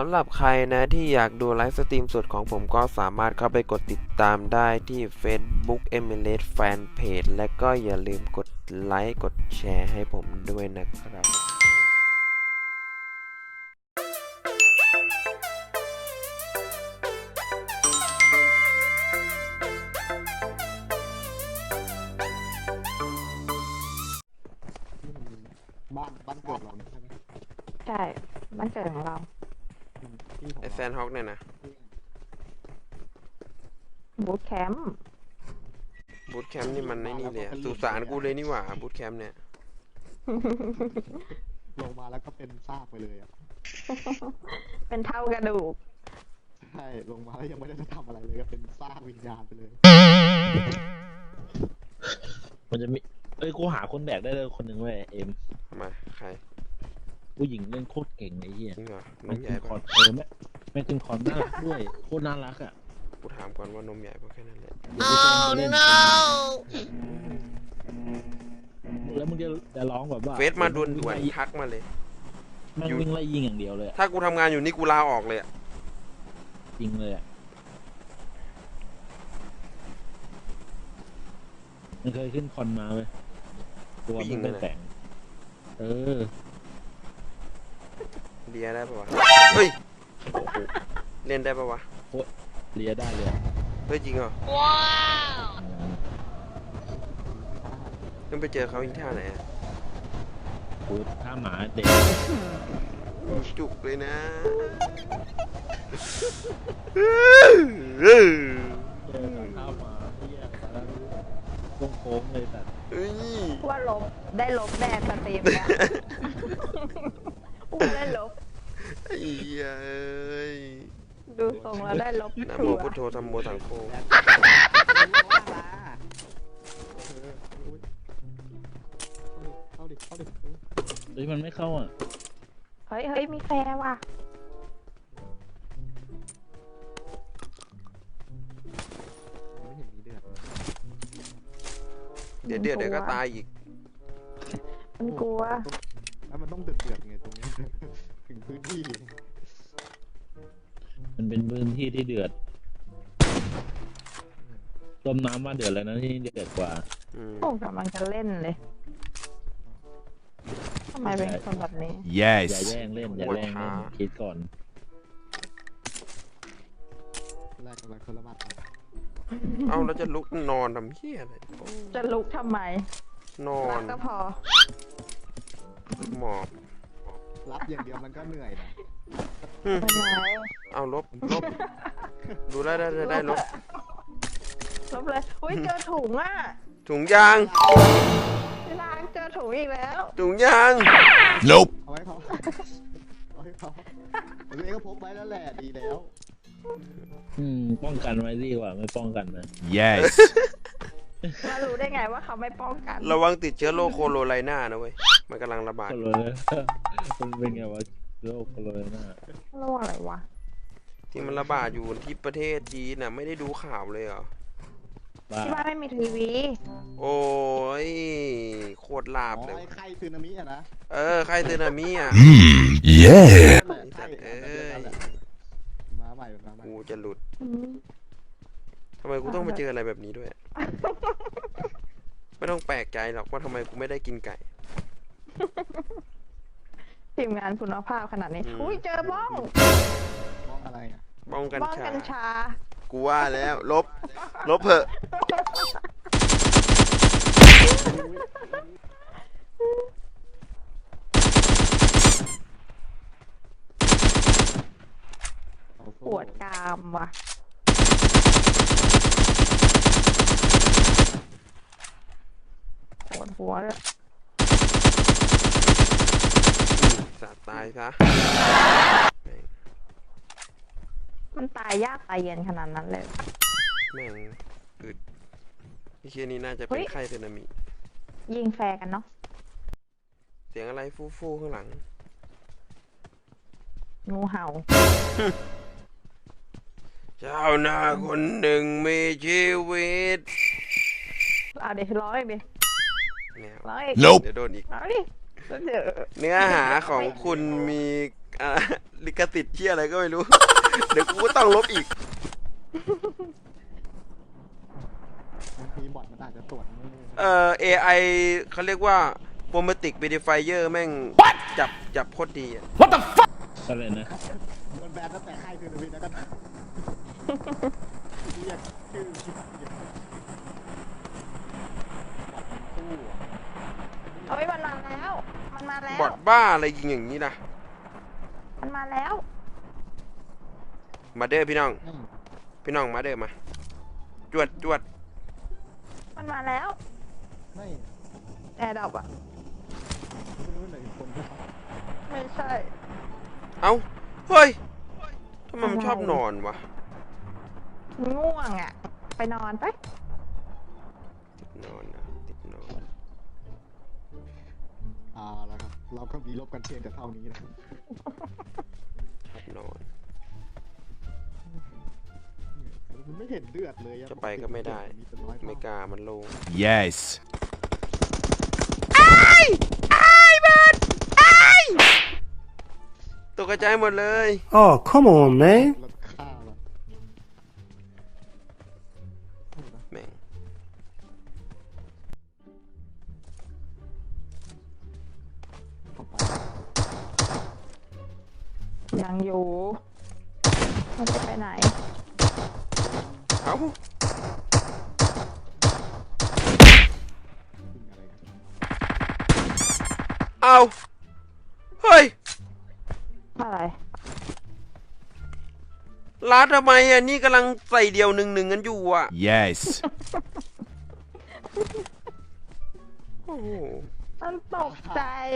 ำหรับใครนะที่อยากดูไลฟ์สตรีมสดของผมก็สามารถเข้าไปกดติดตามได้ที่ Facebook MLS Fanpage และก็อย่าลืมกดไลค์กดแชร์ให้ผมด้วยนะครับบ้านเกิดเราใช่ไหมใช่บ้านเกิดของเราที่ของไอแซนฮอกเนี่ยนะบูธแคมป์บูธแคมป์นี่มันในนี่เลยสุสานกูเลยนี่หว่าบูธแคมป์เนี่ยลงมาแล้วก็เป็นซากไปเลยอ่ะเป็นเท่ากระดูกใช่ลงมาแล้วยังไม่ได้ทำอะไรเลยก็เป็นซากวิญญาณไปเลยมันจะมีกูหาคนแบกได้เลยคนหนึ่งเว้ยเอ็มมาใครผู้หญิงเล่นโคตรเก่งไอ้เหี้ยจริงเหรอ นแม่มงใหขึ้ญ่นคอปะร์ดแม่งขึ้นคอร์ดน่ารักด้วยโคตรน่ารักอ่ะกูถามก่อนว่านมใหญ่ปะแค่นั้นแหละเดี๋ยวไปชวนไปเล่นแล้วมึงจะร้องแบบว่าเฟซมาด่วนๆทักมาเลยแม่งวิ่งไล่ยิงอย่างเดียวเลยอะถ้ากูทำงานอยู่นี่กูลาออกเลยอะยิงเลยอ่ะมันเคยขึ้นคอนมาเว้ยตัวมันเป็นแต่งเออเลียได้ปะวะ เฮ้ย เล่นได้ปะวะเลียได้เลยอะเฮ้ยจริงเหรอต้องไปเจอเขาอีกท่าไหนอะกูถ้าหมาเด็กจุกเลยนะเจอข้าวมาเหี้ยแล้วโค้งเลยแต่เฮ้ยว่าได้ลบแน่สตรีมเนี่ยว่าได้ลบไอ้เหี้ยเอ้ยดูทรงแล้วได้ลบนะชัโมวพุทโธธัมโมสังโฆเข้าดิเฮ้ยมันไม่เข้าอ่ะเฮ้ยมีแฟร์ว่ะไม่เห็นมีเดือดเดี๋ยวก็ตายอีกมันกลัวแล้วมันต้องเดือดไงตรงนี้ ถึงพื้นที่มันเป็นพื้นที่ที่เดือดต้มน้ำมาเดือดแล้วนะที่เดือดกว่าโอ้กำลังจะเล่นเลยทำไมเป็นคนแบบนี้อย่า Yes. แย่งเล่นอย่าแย่งเล่นคิดก่อนแรกกันคนละบัตรเอาแล้วจะลุกนอนทำเหี้ยอะไรโอ้จะลุกทำไมนอรันกก็พอหมอบรับอย่างเดียวมันก็เหนื่อยนะเป็นไรเอาลบดูได้ลบลบเลยอุ้ยเจอถุงอ่ะถุงยางพี่ล้างเจอถุงอีกแล้วถุงยาง Nope. เอาไว้เขาเอาให้เขาตัวเองก็พกไว้แล้วแหละดีแล้วป้องกันไว้ดีกว่าไม่ป้องกันนะ Yes. มารู้ได้ไงว่าเขาไม่ป้องกันระวังติดเชื้อโรคโคโรไลนานะเว้ย มันกำลังระบาดโคโรนามันเป็นไงวะโรคโคโรนาโรคอะไรวะที่มันระบาดอยู่ที่ประเทศจีนน่ะไม่ได้ดูข่าวเลยเหรอบ้าที่บ้านไม่มีทีวีโอ้ยโคตรลาบเลยไอ้ไข้ซึนามิอะนะใครซึนามิอ่ะ Yeah. ไข้มาใหม่มาใหม่กูจะหลุดอืมทำไมกูต้องมาเจออะไรแบบนี้ด้วย ไม่ต้องแปลกใจหรอกว่าทำไมกูไม่ได้กินไก่ทีมงานคุณภาพขนาดนี้ อุ้ยเจอบ้องมองอะไรอ่ะบ้องกัญบ้องชากัญชากูว่าแล้วลบเถอะปวดกรามว่ะปวดหัวเลยสัตว์ตายซะมันตายยากตายเย็นขนาดนั้นเลยแม่งอึดไอ้เคียนี่น่าจะเป็นไข้สึนามิยิงแฟร์กันเนาะเสียงอะไรฟู่ข้างหลังงูเห่าเจ้าหน้าคนหนึ่งมีชีวิตเอาเดี๋ยวร้องอีกดิแนวร้องอีก Nope. เดี๋ยวโดนอีกเอาดิเดี๋ยวเนื้อหาของคุณมีลิขสิทธิ์เที่ยอะไรก็ไม่รู้ เดี๋ยวกูก็ต้องลบอีกบางทีบอทมันอาจจะตรวจไม่ AI เขาเรียกว่า Chromatic Verifier แม่งจับโคตรดีอะอะไรนะโดนแบนตั้งแต่ค่ายคือวินแล้วกันเรียกชื่อคิดสู้อะเอ้ยมันมาแล้ว มันมาแล้วบอดบ้าอะไรยิงอย่างนี้นะมันมาแล้วมาเด้อพี่น้องอืมพี่น้องมาเด้อมา จวดมันมาแล้วไม่แอร์ดรอปอ่ะไม่รู้เลยคนที่เขาไม่ใช่เอ้า เฮ้ยทำไมมันชอบนอนวะง่วงอ่ะ ไปนอนไปติดนอนนะติดนอนแล้วครับเราก็มีลบกันเพียงแต่เท่านี้นะชอบนอนมันไม่เห็นเลือดเลยอจะไปก็ไม่ได้มีเป็นร้อยไม่กล้ามันลง Yes. ตกกระจายหมดเลย Oh, come on, man. แล้วฆ่าเราแม่งเข้าไปยังอยู่มันจะไปไหนเอ้ายิงอะไรกันเอาเฮ้ยอะไรร้านทำไมอ่ะนี่กำลังใส่เดียวหนึ่งกันอยู่อ่ะ Yes. โอ้โหมันตกใจ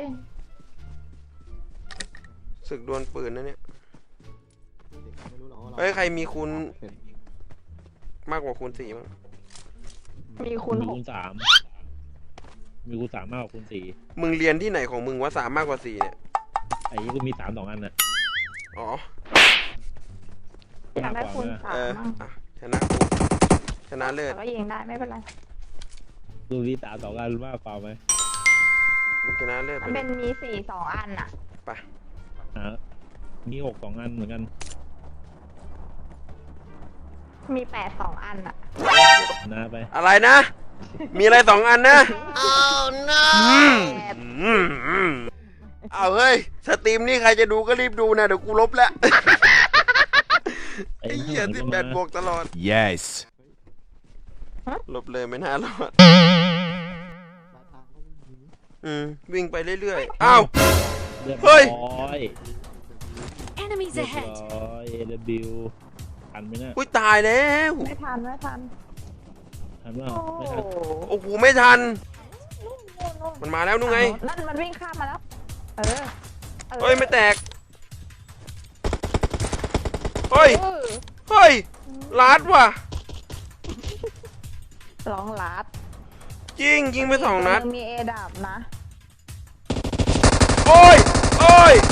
ศึกดวลปืนนะเนี่ยเด็กไม่รู้หรอกว่าเราเฮ้ยใครมีคูณเป็นมากกว่าคูณ4มั้งมีคุณมีหกคูณ 3 มีคูณ 3 มากกว่าคูณมึงเรียนที่ไหนของมึงว่า3มากกว่า4เนี่ย 4ไอ้นี่ก็มี 3 2 อันน่ะอ๋ออยากได้คุณสามอ่ะมั่งชนะกูชนะเลิศแต่ก็ยิงได้ไม่เป็นไรดูที่3 2 อันมากเปล่าไหมมึงชนะเลิศมัไปนเลเป็ยนมี4 2 อันอ่ะไปมี6 2 อันเหมือนกันมี8 2 อันอ่ะนะไปอะไรนะ มีอะไร2อันนะ 8 เอาเฮ้ย สตรีมนี่ใครจะดูก็รีบดูนะ เดี๋ยวกูลบแล้ว ไอ้เหี้ย18 บวกตลอด Yes. ลบเลยไม่น่ารอดร้านทางก็ไม่มีวิ่งไปเรื่อยๆ อ้าวเรียบเฮ้ร้ยอย Enemies เรียบ ahead! ร้อย AW ทันไหมเนี่ยอุ้ยตายแล้วไม่ทันไม่ทันทันเปล่าโอ้ไม่โหทันโอ้โห ไม่ทันนู่นมันมาแล้วนู่นไงนั่นมันวิ่งข้ามมาแล้ว เออเฮ้ย ไม่แตก เฮ้ยเออเฮ้ยลาดว่ะร้องลัดจริง ยิงไป2 นัดมีเอดับนะโอ้ย โอ้ย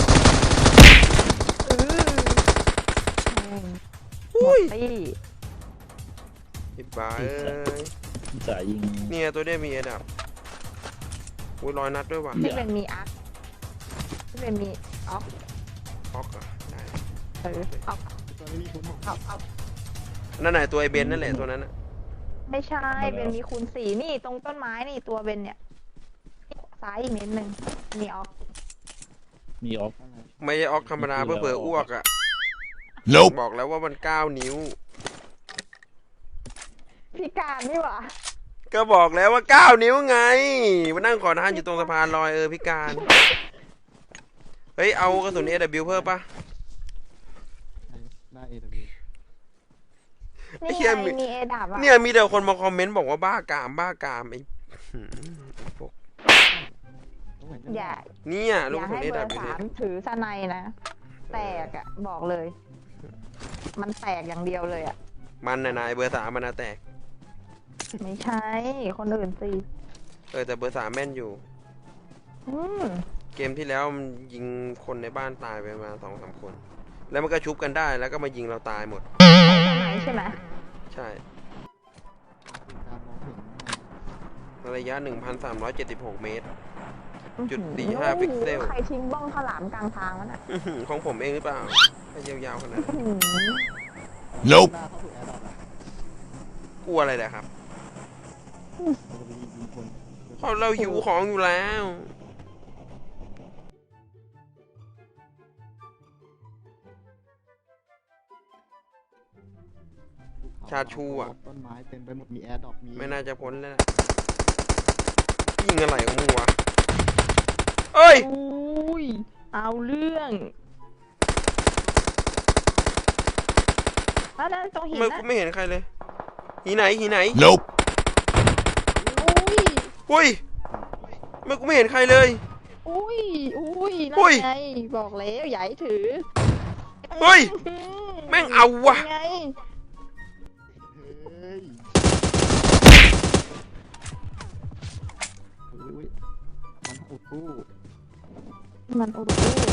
อุ้ยตี้ไอ้บ้าเอ้ยจะยิงเนี่ยตัวเนี้ยมีระดับอุ้ย100 นัดด้วยว่ะที่เป็นมีอักที่เป็นมีออกออกอ่ะได้เออออกตอนนี้มีคุณหกออกนั่นไหนตัวไอเบนนั่นแหละตัวนั้นน่ะไม่ใช่เป็นมีคูณ4นี่ตรงต้นไม้นี่ตัวเป็นเนี่ย ซ้ายอีกนิดนึง มีออกมีออฟอะไรไม่ใช่ออกธรรมดาเพื่อเผื่ออ้วกอ่ะ Nope. บอกแล้วว่ามัน9 นิ้วพิการนี่หว่าก็บอกแล้วว่า9 นิ้วไงมานั่งขอทานอยู่ตรงสะพานลอยพิการ เฮ้ย เอากระสุน AW เพิ่มปะหน้า AW ไอ้นี่เหี้ยไงมีเอดับอ่ะเนี่ยมีแต่คนมาคอมเมนต์บอกว่าบ้ากามบ้ากามไอ้หืมไอ้พวกต้องเหมือนกันอย่าเนี่ยอลูกย่ากระสุนให้เบอ AW ร์เนี่ย 3ถือสไนนะ แตกอ่ะ บอกเลย มันแตกอย่างเดียวเลยอ่ะมันน่ะนายเบอร์ 3มันน่ะแตกไม่ใช่ คนอื่นสิแต่เบอร์ 3แม่นอยู่อืมเกมที่แล้วมันยิงคนในบ้านตายไปมา2-3 คน แล้วมันก็ชุบกันได้แล้วก็มายิงเราตายหมดใช่สไนใช่ไหมใช่การมองเห็นระยะ 1,376 เมตรจุด45พิกเซลใครทิ้งบ้องข้าวหลามกลางทางวะน่ะของผมเองหรือเปล่าให้ยาวๆขนาดนั้นอื้อหือ Nope. หน้าเข้าสู่แอร์ดรอปอะกลัวอะไรเนะครับเราจะไปยิงคนเพราะเราหิวของอยู่แล้ว ชาชูอะต้นไม้เต็มไปหมดมีแอร์ดรอปมีไม่น่าจะพ้นแล้วนะยิงอะไรของมึงวะเอ้ยอุ้ยเอาเรื่องนั่นตรงหิทำนไมนะกูไม่เห็นใครเลยหีไหนหีไหน Nope. อุ้ยอุ้ยทำไมกูไม่เห็นใครเลยอุ้ยอุ้ยอุ้นั่ยนไงบอกแล้วอย่าให้ถือเฮ้ยแม่งเอาว่ะไงเฮ้ยอุ้ยมันอุดตู้มันอุด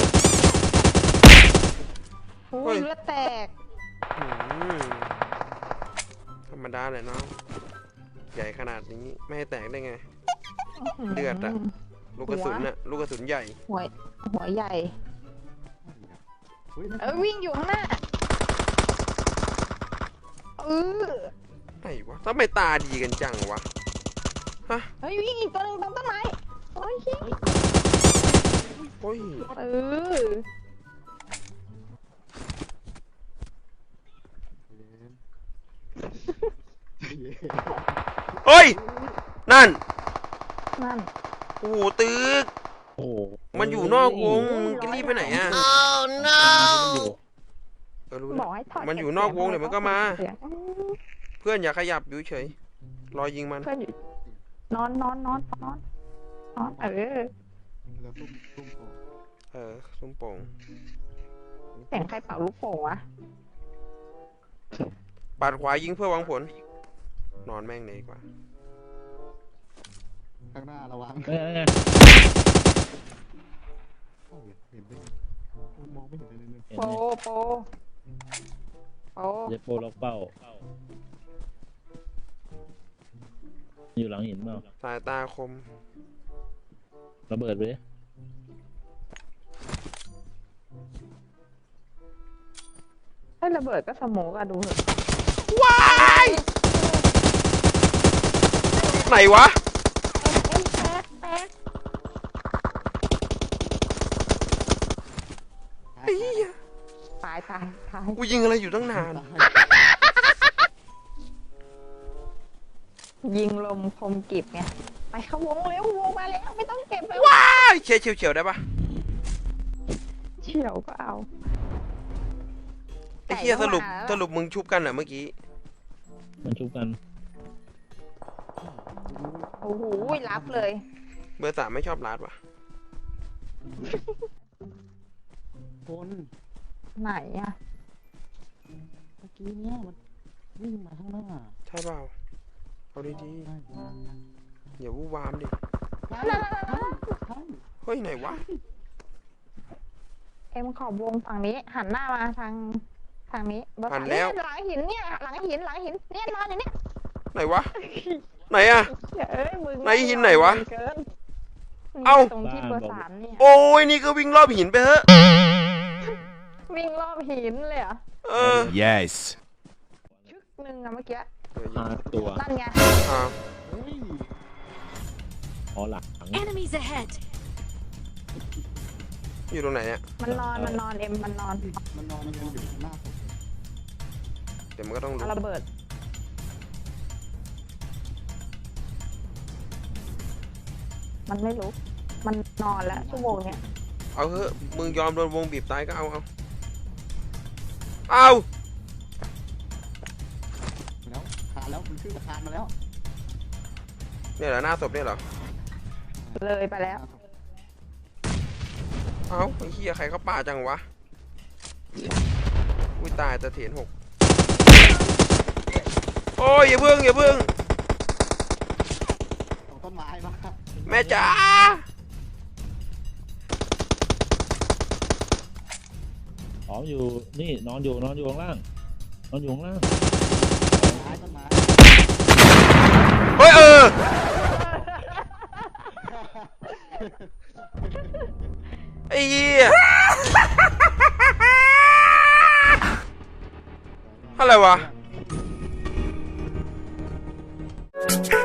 อุ้ยเลือดแตกอืมธรรมดาเลยเนาะใหญ่ขนาดนี้ไม่ให้แตกได้ไง เลือดอะ ลูกกระสุนน่ะลูกกระสุนใหญ่หัวใหญ่เฮ้ยวิ่งอยู่ข้างหน้าเออไหนวะทำไมตาดีกันจังวะฮะเฮ้ยวิ่งอีกตัวหนึงตรงต้นไม้โอ้ยเหี้ยโอ้ยเออเฮ้ยนั่นนั่นโอ้โหตึกโอ้โหมันอยู่นอกวงมึงจะรีบไปไหนอ่ะอยู่เออรู้บแล้อวกให้ถอดมันอยู่นอกวงเดี๋ยวมันก็มาเสียงเพื่อนอย่าขยับอยู่เฉยรอยิงมันเพื่อนอยู่นอนเออแล้วซุ่มโผล่เออซุ้มโป่งเสียงใครเป่าลูกโป่งวะปาดขวายิงเพื่อหวังผล นอนแม่งเลยดีกว่าข้างหน้าระวังเอ้ยโอ้ยเห็นไหมมองไม่เห็นเลยเลยเห็นโปไหมโปโปจะโปรล็อกเป้า อยู่หลังหินเปล่าสายตาคมระเบิดไปดิถ้าระเบิดก็สโมกอะดูเถอะว้ายไหนวะแป๊กไอ้เหี้ยตายกูยิงอะไรอยู่ตั้งนานยิงลมคมกริบไงไปเข้าวงเร็ววงมาแล้วไม่ต้องเก็บไปว้ายเฉียวได้ปะเฉียวก็เอาไอ้เหี้ยไก่สก็รุปมาแล้วสรุปมึงชุบกันเหรอเมื่อกี้มันชุบกันโอ้โหรับเลยเบอร์ 3ไม่ชอบลาดวะคนไหนอะเมื่อกี้เนี่ยมันวิ่งมาข้างหน้าใช่เปล่าเอาดีใช่ๆอย่าวู่วามดิใช่เฮ้ยไหนวะเอ็มขอบวงฝั่งนี้ หันหน้ามาทางนี้เบอร์หัสามนแล้วเนี่ยหลังหินเนี่ยหลังหินเนี่ยนอนอยู่เนี่ยไหนวะ ไหนอะเอ้ยมึงไหนหินไหนวะเกินเอ้าตรงที่เบอร์สามเนี่ยโอ้ยนี่ก็วิ่งรอบหินไปเถอะวิ่งรอบหินเลยเหรอเออ Yes. ชึกหนึ่งอะเมื่อกี้ตัวนั่นไงอ้าวเฮ้ยอ๋อหลัง Enemies ahead! อยู่ตรงไหนเนี่ยมันนอนเอ็มมันนอนมันนอนกันอยู่หน้าผมเดี๋ยวมันก็ต้องรู้เอาระเบิด มันไม่ลุกมันนอนแล้วชั่วโมงเนี้ยเอาเถอะมึงยอมโดนวงบีบตายก็เอาแล้วคานแล้วมันขึ้นมาคานมาแล้วเนี่ยเหรอหน้าศพเนี่ยเหรอเลยไปแล้วเอ้าไอ้เหี้ยใครเขาป่าจังวะ อุ้ยตายตะเถียน6โอ้ยอย่าเพิ่งตรงต้นไม้มาแม่จ๋าอ๋ออยู่นี่นอนอยู่ข้างล่างนอนอยู่ข้างล่างต้นไม้เฮ้ยไอ้เหี้ยอะไรวะ